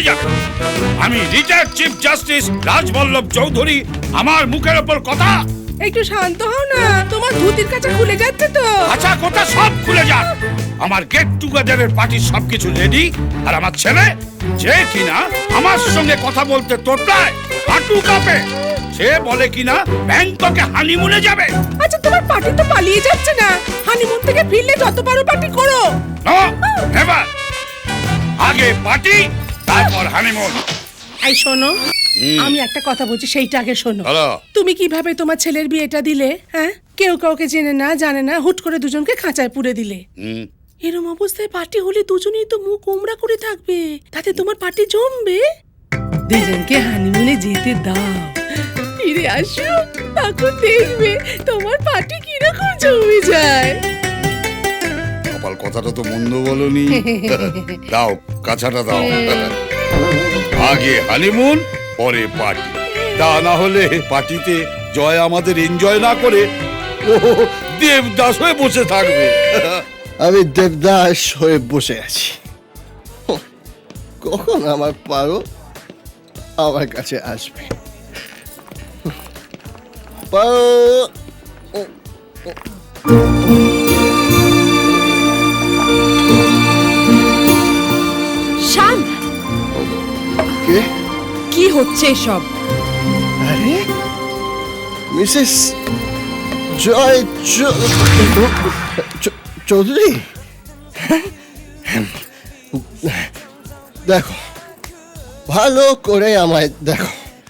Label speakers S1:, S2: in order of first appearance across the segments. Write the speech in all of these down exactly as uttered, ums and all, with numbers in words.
S1: যাবে। আমি retired chief justice Rajballabh Chowdhury, আমার মুখের ওপর কথা।
S2: একটু শান্ত হও না, তোমার ধুতির কাঁচা খুলে যাচ্ছে তো।
S1: আচ্ছা, কথা সব খুলে যাক। আমার গেট টুগেদারের পার্টির সবকিছু রেডি, আর আমার ছেলে যে কিনা আমার সঙ্গে কথা বলতে তোতলায়, হাঁটু কাঁপে, সে বলে কিনা ব্যাংককে হানিমুনে যাবে।
S2: আচ্ছা, তোমার পার্টি তো পালিয়ে যাচ্ছে না, হানিমুন থেকে ফিরলে যত পারো পার্টি করো।
S1: No, never. আগে পার্টি, তারপর হানিমুন।
S2: এই শোনো, আমি একটা কথা বলছি, সেইটা আগে শোনো।
S1: হ্যালো।
S2: তুমি কিভাবে তোমার ছেলের বিয়েটা দিলে? হ্যাঁ, কেউ কাউকে জেনে না জানে না, হুট করে দুজনকে খাঁচায় পুরে দিলে। এরম অবস্থায় পার্টি হলে দুজনেই তো মুখ উমরা করে থাকবে, তাতে তোমার পার্টি জমবে। দুজনকে হানিমুনে যেতে দাও, ফিরে আসো, তখন দেখবে তোমার পার্টি কিরকম জমে যায়।
S1: কপাল, কথাটা তো মন্দ বলনি। দাও কাছাটা দাও। আগে হানিমুন, পরে পার্টি। তা না হলে পার্টিতে জয় আমাদের এনজয় না করে ও দেবদাস হয়ে বসে থাকবে।
S3: আমি দেবদাস হয়ে বসে আছি। কখন আমার পারো আমার কাছে আসবে? পারো,
S4: শান,
S3: কে?
S4: কি হচ্ছে এসব?
S3: আরে মিসেস জয় চৌ- চৌ- চৌধুরী, দেখো, ভালো করে আমায় দেখো।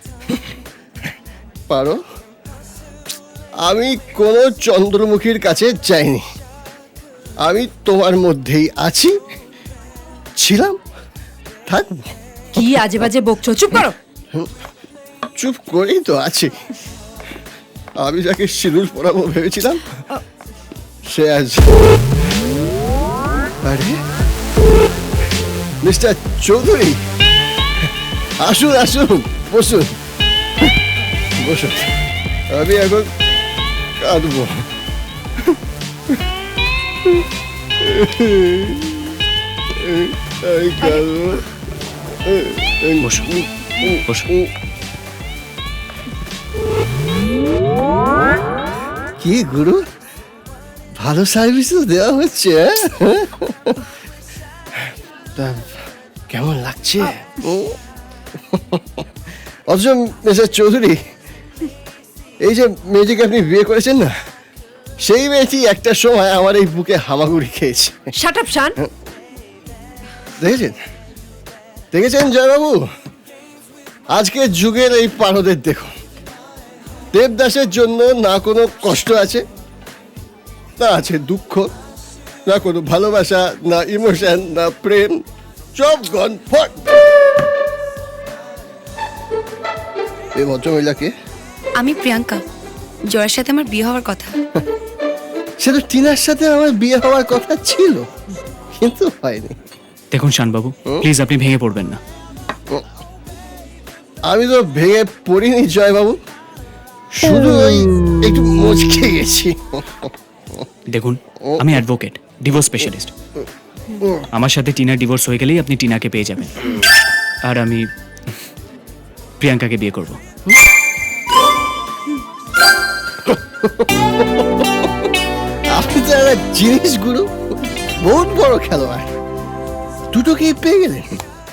S3: পারো, আমি কোনো চন্দ্রমুখীর কাছে যাইনি। আমি তোমার মধ্যেই আছি, ছিলাম, থাকবো।
S4: কি আজে বাজে বকছো? চুপ করো।
S3: চুপ করেই তো আছি। আমি যাকে সিঁদুর পরাবো ভেবেছিলাম, সে আজ। আরে মিস্টার চৌধুরী, আসুন আসুন, বসুন বসুন। আমি এখন কাঁদবো। এই কাঁদবো।
S5: বসুন বসুন।
S3: কি গুরু, ভালো সার্ভিস তো দেওয়া হচ্ছে। তা কেমন লাগছে? অথচ মিস্টার চৌধুরী, এই যে মেয়েটিকে আপনি বিয়ে করেছেন না, সেই মেয়েটি একটা সময় আমার এই বুকে হামাগুড়ি খেয়েছে।
S4: Shut up Shaan.
S3: দেখেছেন দেখেছেন জয়বাবু, আজকের যুগের এই পারদের দেখুন, দেবদাসের জন্য না কোনো কষ্ট আছে, না আছে দুঃখ, না কোনো ভালোবাসা, না ইমোশন, না প্রেম, সব গন ফট। এই ভদ্রমহিলাকে?
S6: আমি প্রিয়াঙ্কা, জয়ের সাথে আমার বিয়ে হওয়ার কথা।
S3: সে তো টিনার সাথে আমার বিয়ে হওয়ার কথা ছিল, কিন্তু হয়নি।
S5: দেখুন শানবাবু, প্লিজ আপনি ভেঙে পড়বেন না।
S3: আমি তো ভেঙে পড়িনি জয়বাবু, শুধু ওই একটু মুচকে গেছি।
S5: দেখুন, আমি অ্যাডভোকেট, ডিভোর্স স্পেশালিস্ট। আমার সাথে টিনার ডিভোর্স হয়ে গেলেই আপনি টিনাকে পেয়ে যাবেন, আর আমি প্রিয়াঙ্কাকে বিয়ে করব।
S3: আপনি তো একটা জিনিস গুরু, বহুত বড় খেলোয়াড়, দুটোকেই পেয়ে গেলেন।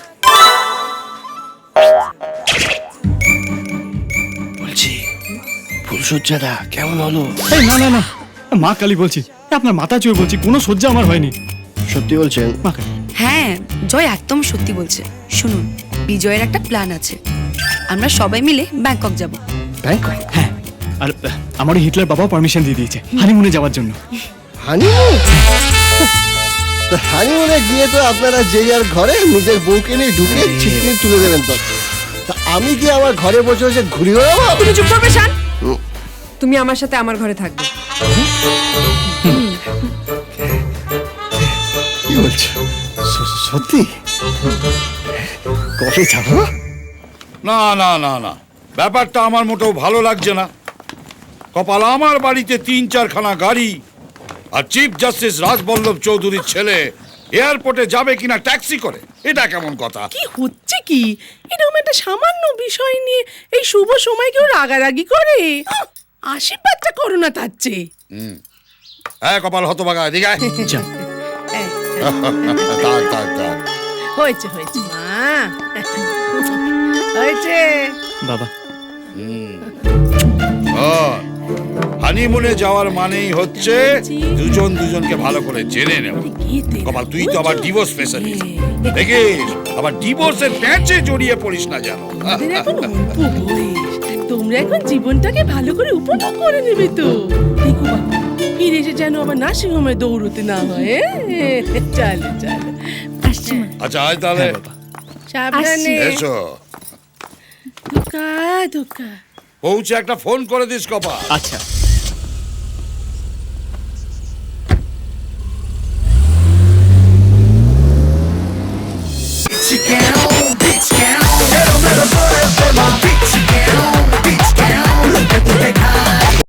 S3: বলছি, ফুলসজ্জাটা কেমন হলো?
S5: এই না না না, মা কালী বলছি, আপনার মাথা চুয়ে বলছি, কোনো সহ্যা আমার হয়নি।
S3: সত্যি বলছেন?
S5: মা কালী।
S6: হ্যাঁ, জয় একদম সত্যি বলছে। শুনুন, বিজয়ের একটা প্ল্যান আছে, আমরা সবাই মিলে ব্যাংকক যাব।
S3: ব্যাংকক?
S5: হ্যাঁ, আর আহ, আমার ওই হিটলার বাবাও পারমিশন দিয়ে দিয়েছে হানিমুনে যাওয়ার জন্য।
S3: হানিমুন? তা হানিমুনে গিয়ে তো আপনারা যে যার ঘরে নিজের বউকে নিয়ে ঢুকে ছিটকিনি তুলে দেবেন। তো তা আমি কি আমার ঘরে বসে বসে ঘুরি বেড়াবো?
S4: তুমি চুপ করবে শান। তুমি আমার সাথে আমার ঘরে থাকবে।
S3: কি বলছো? স- সত্যি? কবে যাবো?
S1: না না না না, ব্যাপারটা আমার মোটেও ভালো লাগছে না। কপাল, আমার বাড়িতে তিন চারখানা গাড়ি, আর চিফ জাস্টিস রাজবল্লভ চৌধুরীর ছেলে এয়ারপোর্টে যাবে কিনা ট্যাক্সি করে, এটা কেমন কথা?
S2: কি হচ্ছে কি এরকম একটা সামান্য বিষয় নিয়ে এই শুভ সময় কেউ রাগারাগি করে? আহ, আশীর্বাদটা করো না তার চেয়ে।
S1: হ্যাঁ কপাল হতভাগা এদিকে আয়।
S5: যাও।
S2: এই,
S1: থাক থাক থাক
S2: হয়েছে হয়েছে মা, হয়েছে।
S5: বাবা
S1: হানিমুনে যাওয়ার মানেই হচ্ছে দুজন দুজনকে ভালো করে জেনে নেওয়া। কপাল তুই তো আবার ডিভোর্স স্পেশালিস্ট, দেখিস আবার ডিভোর্সের প্যাচে জড়িয়ে পড়িস না জানো।
S2: আমাদের এখন অল্প বয়স, তোমরা এখন জীবনটাকে ভালো করে উপভোগ করে নেবে তো। দেখো বাবা, ফিরে এসে যেন আবার নার্সিং হোমে দৌড়তে না হয়। এ? চলো চলো, আসছি মা।
S1: আচ্ছা আয় তাহলে,
S5: হ্যাঁ বাবা।
S2: সাবধানে।
S1: এসো।
S2: ধোকা ধোকা।
S1: পৌঁছে একটা ফোন করে দিস কপাল।
S5: আচ্ছা
S7: Chicken on